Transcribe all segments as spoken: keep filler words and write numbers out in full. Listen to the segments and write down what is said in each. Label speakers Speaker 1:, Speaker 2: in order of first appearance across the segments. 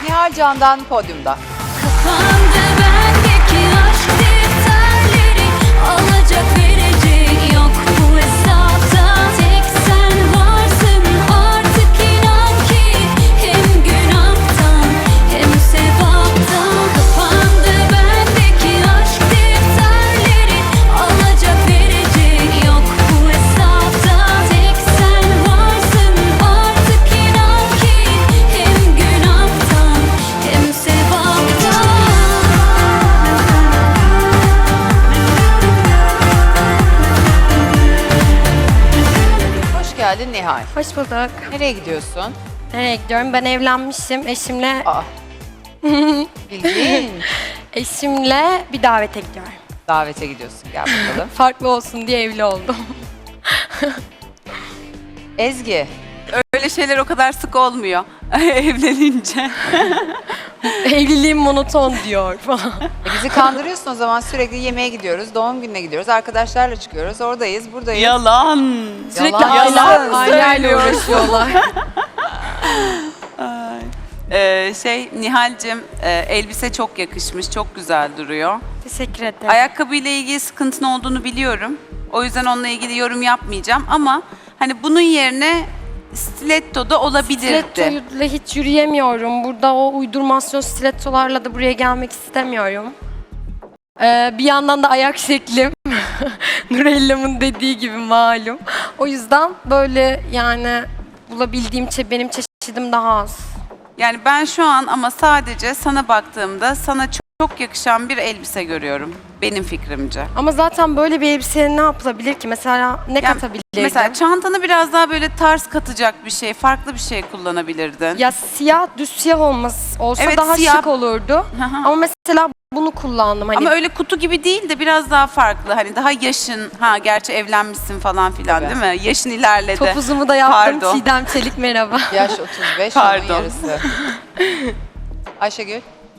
Speaker 1: Nihal Can'dan podyumda.
Speaker 2: Kapandı bendeki aşk defterleri, alacak verecek yok bu hesapta. Tek sen varsın artık, inan ki hem günahtan hem sevaptan. Kapandı bendeki aşk defterleri, alacak verecek yok bu hesapta. Tek sen varsın artık, inan ki hem günahtan hem sevaptan.
Speaker 1: Hoş geldin Nihal.
Speaker 3: Hoş bulduk.
Speaker 1: Nereye gidiyorsun?
Speaker 3: Nereye gidiyorum? Ben evlenmişim. Eşimle
Speaker 1: Aa. Bildiğin
Speaker 3: eşimle bir davete gidiyorum.
Speaker 1: davete gidiyorsun. Gel bakalım.
Speaker 3: Farklı olsun diye evli oldum.
Speaker 1: Ezgi,
Speaker 4: Öyle şeyler o kadar sık olmuyor evlenince.
Speaker 3: Evliliğim monoton diyor falan.
Speaker 1: e bizi kandırıyorsun o zaman. Sürekli yemeğe gidiyoruz, doğum gününe gidiyoruz, arkadaşlarla çıkıyoruz, oradayız, buradayız.
Speaker 4: Yalan.
Speaker 3: Sürekli
Speaker 1: Yalan
Speaker 3: aileler, ailelerle
Speaker 4: söylüyor.
Speaker 3: uğraşıyorlar.
Speaker 4: Ay. Ee, şey Nihal'cim e, elbise çok yakışmış, çok güzel duruyor.
Speaker 3: Teşekkür ederim.
Speaker 4: Ayakkabıyla ilgili sıkıntın olduğunu biliyorum. O yüzden onunla ilgili yorum yapmayacağım ama hani bunun yerine stiletto da olabilirdi.
Speaker 3: Stilettoyla hiç yürüyemiyorum. Burada o uydurmasyon stilettolarla da buraya gelmek istemiyorum. Ee, bir yandan da ayak şeklim Nurellam'ın dediği gibi malum. O yüzden böyle yani bulabildiğim çe benim çeşidim daha az.
Speaker 4: Yani ben şu an ama sadece sana baktığımda sana çok, çok yakışan bir elbise görüyorum. Benim fikrimce.
Speaker 3: Ama zaten böyle bir elbiseye ne yapılabilir ki? Mesela ne
Speaker 4: Yani
Speaker 3: katabilirdim?
Speaker 4: Mesela çantanı biraz daha böyle tarz katacak bir şey, farklı bir şey kullanabilirdin.
Speaker 3: Ya siyah, düz siyah olması olsa
Speaker 4: Evet,
Speaker 3: daha
Speaker 4: siyah.
Speaker 3: şık olurdu.
Speaker 4: Hı hı.
Speaker 3: Ama mesela bunu kullandım. Hani
Speaker 4: Ama öyle kutu gibi değil de biraz daha farklı. Hani daha yaşın, ha gerçi evlenmişsin falan filan
Speaker 1: Tabii.
Speaker 4: değil mi? Yaşın ilerledi.
Speaker 3: topuzumu da yaptım.
Speaker 4: Pardon.
Speaker 3: Çiğdem Çelik merhaba.
Speaker 1: yaş otuz beş, onun
Speaker 4: Pardon.
Speaker 1: yarısı. Ayşegül,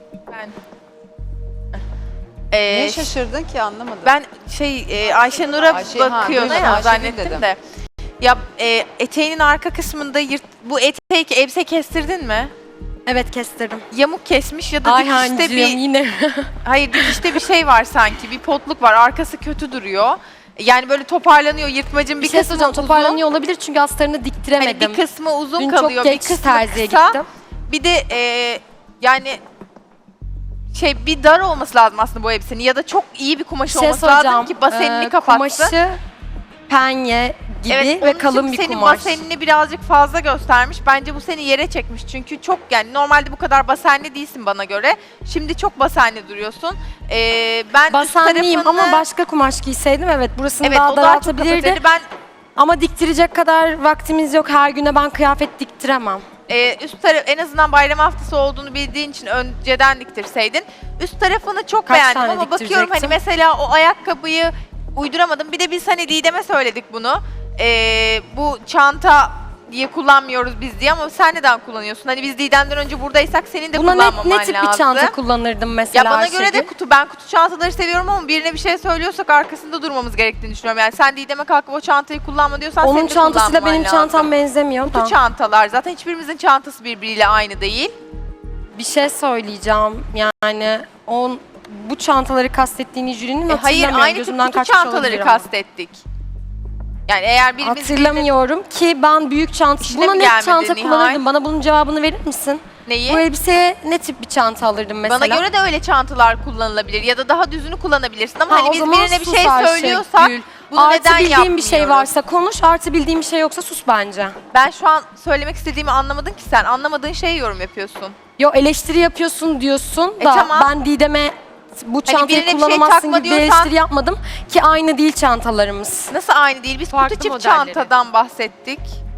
Speaker 5: Ee,
Speaker 1: niye şaşırdın ki anlamadım.
Speaker 5: ben şey e, Ayşenur'a
Speaker 1: Ayşe- ha,
Speaker 5: bakıyordum
Speaker 1: duydum,
Speaker 5: ya
Speaker 1: Ayşegül
Speaker 5: zannettim
Speaker 1: dedim.
Speaker 5: de. Ya e, eteğinin arka kısmında yırt, bu eteği elbise kestirdin mi?
Speaker 3: Evet kestirdim.
Speaker 5: Yamuk kesmiş ya da dikişte
Speaker 3: Ayhancığım
Speaker 5: bir
Speaker 3: yine.
Speaker 5: hayır dikişte bir şey var sanki, bir potluk var, arkası kötü duruyor. Yani böyle toparlanıyor, yırtmacın bir,
Speaker 3: Bir şey
Speaker 5: kısmı
Speaker 3: söyleyeceğim,
Speaker 5: uzun.
Speaker 3: toparlanıyor olabilir çünkü astarını
Speaker 5: Hani
Speaker 3: diktiremedim.
Speaker 5: bir kısmı uzun
Speaker 3: Dün
Speaker 5: kalıyor,
Speaker 3: çok
Speaker 5: bir
Speaker 3: geç
Speaker 5: kısmı
Speaker 3: terziye
Speaker 5: kısa.
Speaker 3: gittim.
Speaker 5: Bir de e, yani şey bir dar olması lazım aslında bu elbisenin ya da çok iyi bir kumaş
Speaker 3: Bir şey
Speaker 5: olması lazım
Speaker 3: söyleyeceğim.
Speaker 5: ki basenini
Speaker 3: Ee,
Speaker 5: kapatsın.
Speaker 3: Kumaşı penye gibi
Speaker 5: Evet,
Speaker 3: ve
Speaker 5: onun
Speaker 3: kalın
Speaker 5: için
Speaker 3: bir
Speaker 5: senin
Speaker 3: kumaş.
Speaker 5: basenini birazcık fazla göstermiş. Bence bu seni yere çekmiş. Çünkü çok yani normalde bu kadar basenli değilsin bana göre. Şimdi çok basenli duruyorsun. Ee, ben üst
Speaker 3: Basenliyim
Speaker 5: tarafını-
Speaker 3: ama başka kumaş giyseydim evet burasını
Speaker 5: evet,
Speaker 3: daha
Speaker 5: o daha çok
Speaker 3: daraltabilirdi.
Speaker 5: kapatırdı. Ben
Speaker 3: Ama diktirecek kadar vaktimiz yok. Her güne ben kıyafet diktiremem.
Speaker 5: e, üst taraf en azından bayram haftası olduğunu bildiğin için önceden diktirseydin. Üst tarafını çok
Speaker 3: Kaç
Speaker 5: beğendim
Speaker 3: tane
Speaker 5: ama bakıyorum hani
Speaker 3: diktirecektim?
Speaker 5: mesela o ayakkabıyı uyduramadım. Bir de biz hani Didem'e söyledik bunu. Ee, bu çanta diye kullanmıyoruz biz diye ama sen neden kullanıyorsun? Hani biz Didem'den önce buradaysak senin de
Speaker 3: Buna
Speaker 5: kullanmaman
Speaker 3: ne, ne tip
Speaker 5: lazım.
Speaker 3: bir çanta kullanırdım mesela
Speaker 5: Ya bana göre de
Speaker 3: Ayşegül?
Speaker 5: kutu. Ben kutu çantaları seviyorum ama birine bir şey söylüyorsak arkasında durmamız gerektiğini düşünüyorum. Yani sen Didem'e kalkıp o çantayı kullanma diyorsan
Speaker 3: Onun
Speaker 5: senin de
Speaker 3: çantasıyla
Speaker 5: kullanman
Speaker 3: benim
Speaker 5: lazım.
Speaker 3: çantam benzemiyor
Speaker 5: Kutu
Speaker 3: da.
Speaker 5: çantalar zaten hiçbirimizin çantası birbiriyle aynı değil.
Speaker 3: Bir şey söyleyeceğim yani on bu çantaları kastettiğini jürinin
Speaker 5: E, hayır
Speaker 3: hatırlamıyorum.
Speaker 5: aynı tip
Speaker 3: Gözümden
Speaker 5: kutu
Speaker 3: kaçmış
Speaker 5: çantaları
Speaker 3: olabilir ama.
Speaker 5: kastettik. Yani eğer birimiz
Speaker 3: Hatırlamıyorum ki ben büyük çanta...
Speaker 5: İşte
Speaker 3: Buna
Speaker 5: mi
Speaker 3: ne
Speaker 5: gelmedi
Speaker 3: çanta
Speaker 5: Nihal?
Speaker 3: kullanırdım? Bana bunun cevabını verir misin?
Speaker 5: neyi?
Speaker 3: Bu elbiseye ne tip bir çanta alırdım mesela?
Speaker 5: Bana göre de öyle çantalar kullanılabilir ya da daha düzünü kullanabilirsin ama
Speaker 3: Ha,
Speaker 5: hani
Speaker 3: o
Speaker 5: biz
Speaker 3: zaman
Speaker 5: birine bir
Speaker 3: sus
Speaker 5: şey
Speaker 3: Ayşegül.
Speaker 5: söylüyorsak bunu
Speaker 3: Artı
Speaker 5: neden
Speaker 3: bildiğin bir şey
Speaker 5: yapmıyoruz?
Speaker 3: varsa konuş, artı bildiğin bir şey yoksa sus bence.
Speaker 5: Ben şu an söylemek istediğimi anlamadın ki sen. Anlamadığın şeye yorum yapıyorsun.
Speaker 3: Yo eleştiri yapıyorsun diyorsun
Speaker 5: E,
Speaker 3: da
Speaker 5: tamam.
Speaker 3: ben Didem'e bu çantayı
Speaker 5: birine bir şey
Speaker 3: kullanamazsın
Speaker 5: takma
Speaker 3: gibi bir
Speaker 5: diyorsan-
Speaker 3: eleştiri yapmadım ki aynı değil çantalarımız.
Speaker 5: Nasıl aynı değil? Biz
Speaker 6: Farklı
Speaker 5: kutu çift
Speaker 6: modelleri.
Speaker 5: çantadan bahsettik.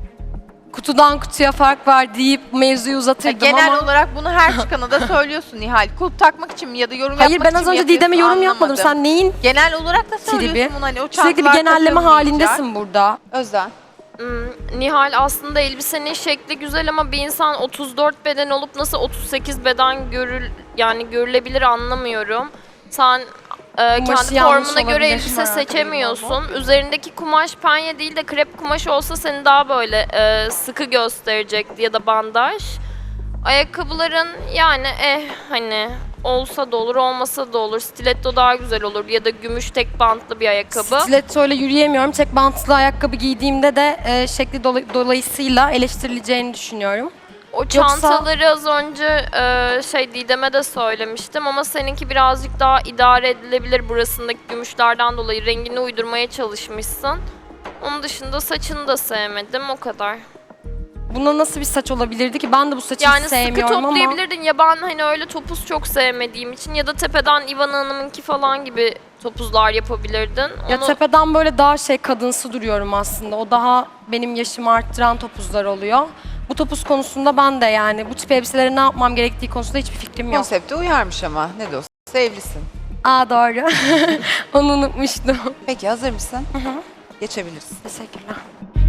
Speaker 3: Kutudan kutuya fark var deyip mevzuyu
Speaker 5: Ya
Speaker 3: uzatırdım
Speaker 5: genel
Speaker 3: ama...
Speaker 5: olarak bunu her çıkana da söylüyorsun Nihal. Kulp takmak için mi ya da yorum
Speaker 3: Hayır
Speaker 5: yapmak
Speaker 3: ben
Speaker 5: için
Speaker 3: az
Speaker 5: mi
Speaker 3: önce Didem'e yorum
Speaker 5: yapıyorsun?
Speaker 3: yapmadım.
Speaker 5: Anlamadım.
Speaker 3: Sen neyin
Speaker 5: Genel olarak da söylüyorsun
Speaker 3: tribi?
Speaker 5: bunu hani o
Speaker 3: Sürekli bir
Speaker 5: çantalar
Speaker 3: genelleme
Speaker 5: takılmayacak.
Speaker 3: halindesin burada.
Speaker 1: Özden.
Speaker 6: Hmm, Nihal aslında elbisenin şekli güzel ama bir insan otuz dört beden olup nasıl otuz sekiz beden görül yani görülebilir anlamıyorum. Sen e,
Speaker 3: Kumaşı
Speaker 6: kendi
Speaker 3: yanlış
Speaker 6: formuna göre
Speaker 3: olabilir.
Speaker 6: elbise
Speaker 3: Merak
Speaker 6: seçemiyorsun. Üzerindeki kumaş penye değil de krep kumaşı olsa seni daha böyle e, sıkı gösterecekti ya da bandaj. Ayakkabıların yani eh hani olsa da olur olmasa da olur. Stiletto daha güzel olur ya da gümüş tek bantlı bir ayakkabı.
Speaker 3: Stiletto ile yürüyemiyorum. Tek bantlı ayakkabı giydiğimde de e, şekli dola- dolayısıyla eleştirileceğini düşünüyorum.
Speaker 6: O çantaları az önce e, şey Didem'e de söylemiştim ama seninki birazcık daha idare edilebilir burasındaki gümüşlerden dolayı rengini uydurmaya çalışmışsın. Onun dışında saçını da sevmedim o kadar.
Speaker 3: Buna nasıl bir saç olabilirdi ki? Ben de bu saçı
Speaker 6: Yani
Speaker 3: hiç
Speaker 6: sıkı
Speaker 3: sevmiyorum ama
Speaker 6: toplayabilirdin ya ben hani öyle topuz çok sevmediğim için ya da tepeden Ivana Hanım'ınki falan gibi topuzlar yapabilirdin.
Speaker 3: ya
Speaker 6: Onu-
Speaker 3: tepeden böyle daha şey kadınsı duruyorum aslında. O daha benim yaşımı arttıran topuzlar oluyor. Bu topuz konusunda ben de yani bu tip elbiselere ne yapmam gerektiği konusunda hiçbir fikrim yok.
Speaker 1: Konsepte uyarmış ama ne de olsa evlisin.
Speaker 3: Aa doğru. Onu unutmuştum.
Speaker 1: Peki hazır mısın? Geçebilirsin.
Speaker 3: Teşekkürler.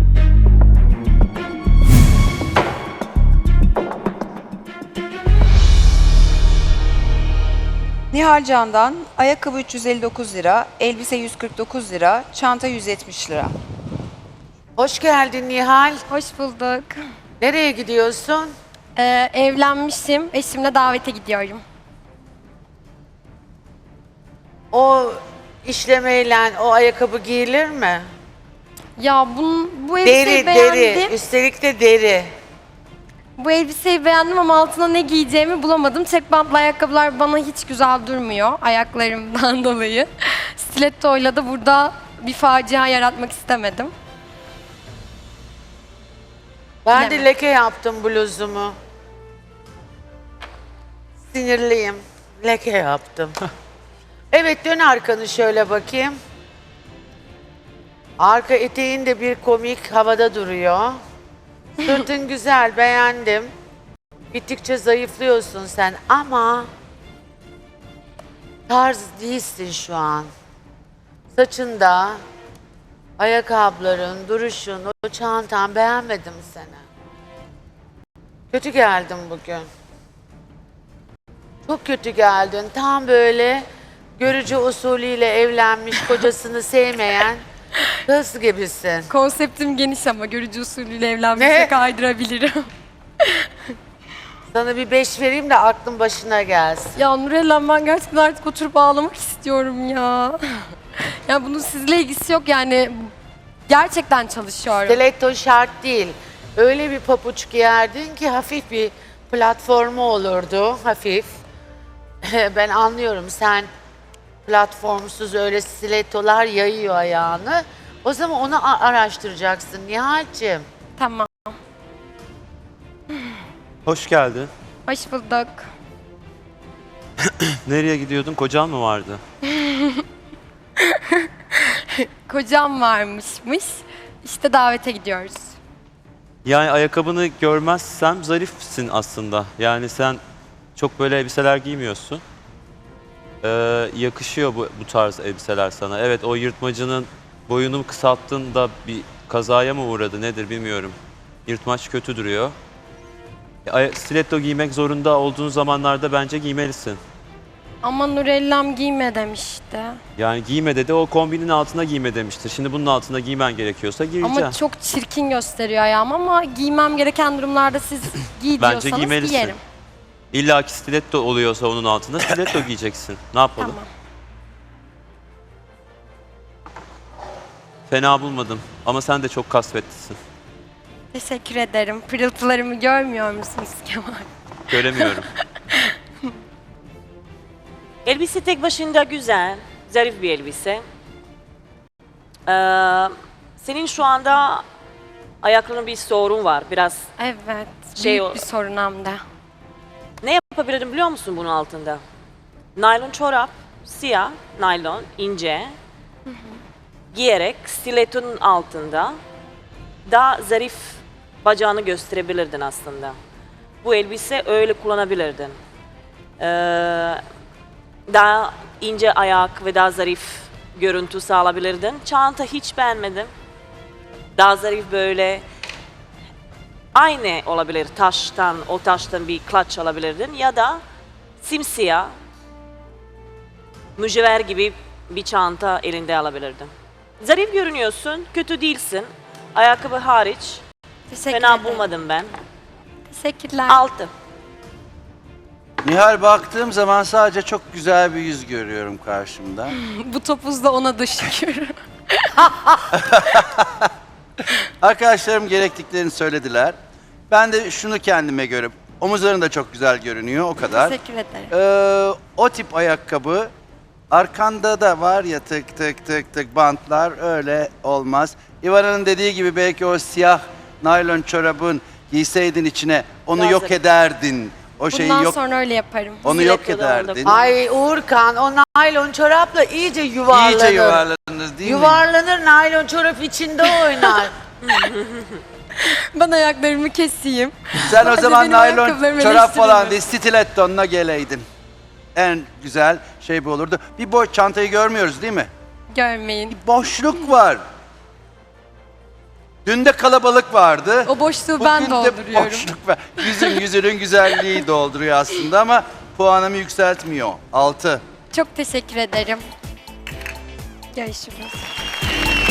Speaker 1: Nihal Can'dan ayakkabı üç yüz elli dokuz lira, elbise yüz kırk dokuz lira, çanta yüz yetmiş lira.
Speaker 7: Hoş geldin Nihal.
Speaker 3: Hoş bulduk.
Speaker 7: Nereye gidiyorsun?
Speaker 3: Ee, evlenmişim. Eşimle davete gidiyorum.
Speaker 7: O işlemeyle o ayakkabı giyilir mi?
Speaker 3: Ya bunun, bu elbiseyi
Speaker 7: Deri,
Speaker 3: beğendim.
Speaker 7: deri. Üstelik de deri.
Speaker 3: Bu elbiseyi beğendim ama altına ne giyeceğimi bulamadım. Tek bantlı ayakkabılar bana hiç güzel durmuyor ayaklarımdan dolayı. Stiletto'yla da burada bir facia yaratmak istemedim.
Speaker 7: Ben de
Speaker 3: Bilemedim.
Speaker 7: leke yaptım bluzumu. Sinirliyim. Leke yaptım. Evet, dön arkanı şöyle bakayım. Arka eteğin de bir komik havada duruyor. Sırtın güzel, beğendim. Gittikçe zayıflıyorsun sen ama tarz değilsin şu an. Saçında, ayakkabıların, duruşun, o çantan, beğenmedim seni. Kötü geldin bugün. Çok kötü geldin. Tam böyle görücü usulüyle evlenmiş, kocasını sevmeyen kız gibisin.
Speaker 3: Konseptim geniş ama görücü usulüyle evlenmişe
Speaker 7: Ne?
Speaker 3: kaydırabilirim.
Speaker 7: Sana bir beş vereyim de aklın başına gelsin.
Speaker 3: Ya Nurella ben gerçekten artık oturup ağlamak istiyorum ya. Ya bunun sizle ilgisi yok yani. Gerçekten çalışıyorum.
Speaker 7: Stiletto şart değil. Öyle bir papuç giyerdin ki hafif bir platformu olurdu, hafif. Ben anlıyorum, sen platformsuz öyle stilettolar yayıyor ayağını. O zaman onu a- araştıracaksın Nihal'cim.
Speaker 3: Tamam.
Speaker 8: Hoş geldin.
Speaker 3: Hoş bulduk.
Speaker 8: Nereye gidiyordun? Kocan mı vardı?
Speaker 3: Kocam varmışmış. İşte davete gidiyoruz.
Speaker 8: Yani ayakkabını görmezsem zarifsin aslında. Yani sen çok böyle elbiseler giymiyorsun. Ee, yakışıyor bu, bu tarz elbiseler sana. Evet, o yırtmacının boyunu kısalttın da bir kazaya mı uğradı nedir bilmiyorum. Yırtmaç kötü duruyor. E, ay- stiletto giymek zorunda olduğun zamanlarda bence giymelisin.
Speaker 3: Ama Nurellam giyme demişti.
Speaker 8: Yani giyme dedi, o kombinin altına giyme demiştir. Şimdi bunun altına giymen gerekiyorsa giyeceksin.
Speaker 3: Ama çok çirkin gösteriyor ayağım ama giymem gereken durumlarda siz giy
Speaker 8: Bence
Speaker 3: diyorsanız
Speaker 8: giymelisin.
Speaker 3: giyerim.
Speaker 8: İlla ki stiletto oluyorsa onun altında stiletto giyeceksin. Ne yapalım?
Speaker 3: Tamam.
Speaker 8: Fena bulmadım ama sen de çok kasvetlisin.
Speaker 3: Teşekkür ederim. Pırıltılarımı görmüyor musunuz Kemal?
Speaker 8: Göremiyorum.
Speaker 9: Elbise tek başına güzel, zarif bir elbise. Ee, senin şu anda ayaklarında bir sorun var. Biraz
Speaker 3: Evet.
Speaker 9: Şey
Speaker 3: büyük
Speaker 9: o-
Speaker 3: bir sorun hem de.
Speaker 9: ne yapabilirim biliyor musun bunun altında? Naylon çorap, siyah, naylon, ince. Giyerek stilettonun altında daha zarif bacağını gösterebilirdin aslında. Bu elbise öyle kullanabilirdin. Ee, daha ince ayak ve daha zarif görüntü sağlayabilirdin. Çanta hiç beğenmedim. Daha zarif böyle aynı olabilir taştan, o taştan bir clutch alabilirdin ya da simsiyah mücevher gibi bir çanta elinde alabilirdin. Zarif görünüyorsun, kötü değilsin. Ayakkabı hariç
Speaker 3: Teşekkür
Speaker 9: fena
Speaker 3: ederim.
Speaker 9: bulmadım ben.
Speaker 3: Teşekkürler.
Speaker 9: Altı.
Speaker 10: Nihal, baktığım zaman sadece çok güzel bir yüz görüyorum karşımda.
Speaker 3: Bu topuz da ona da şükür.
Speaker 10: Arkadaşlarım gerektiklerini söylediler. Ben de şunu kendime göre, omuzların da çok güzel görünüyor, o kadar.
Speaker 3: Teşekkür ederim.
Speaker 10: Ee, o tip ayakkabı, arkanda da var ya tık tık tık tık bantlar, öyle olmaz. İvana'nın dediği gibi belki o siyah naylon çorabın giyseydin içine, onu
Speaker 9: Biraz
Speaker 10: yok
Speaker 9: da-
Speaker 10: ederdin. O şeyi
Speaker 3: Bundan
Speaker 10: yok,
Speaker 3: sonra öyle yaparım.
Speaker 10: onu yok
Speaker 9: Stiletto da
Speaker 10: ederdin.
Speaker 7: Ay Uğurkan, o naylon çorapla iyice yuvarlanır.
Speaker 10: İyice yuvarlanır değil mi?
Speaker 7: Yuvarlanır, naylon çorap içinde oynar.
Speaker 3: Ben ayaklarımı keseyim.
Speaker 10: Sen o
Speaker 3: Hadi
Speaker 10: zaman
Speaker 3: benim
Speaker 10: naylon
Speaker 3: ayakkabılarımı
Speaker 10: çorap falan
Speaker 3: eleştirme.
Speaker 10: değil, stilettonla geleydin. En güzel şey bu olurdu. Bir boş çantayı görmüyoruz değil mi?
Speaker 3: Görmeyin.
Speaker 10: Boşluk var. Dün de kalabalık vardı.
Speaker 3: O boşluğu
Speaker 10: Bugün
Speaker 3: ben
Speaker 10: de
Speaker 3: dolduruyorum.
Speaker 10: boşluk var. Yüzün, yüzünün güzelliği dolduruyor aslında ama puanımı yükseltmiyor. Altı.
Speaker 3: Çok teşekkür ederim. Görüşürüz.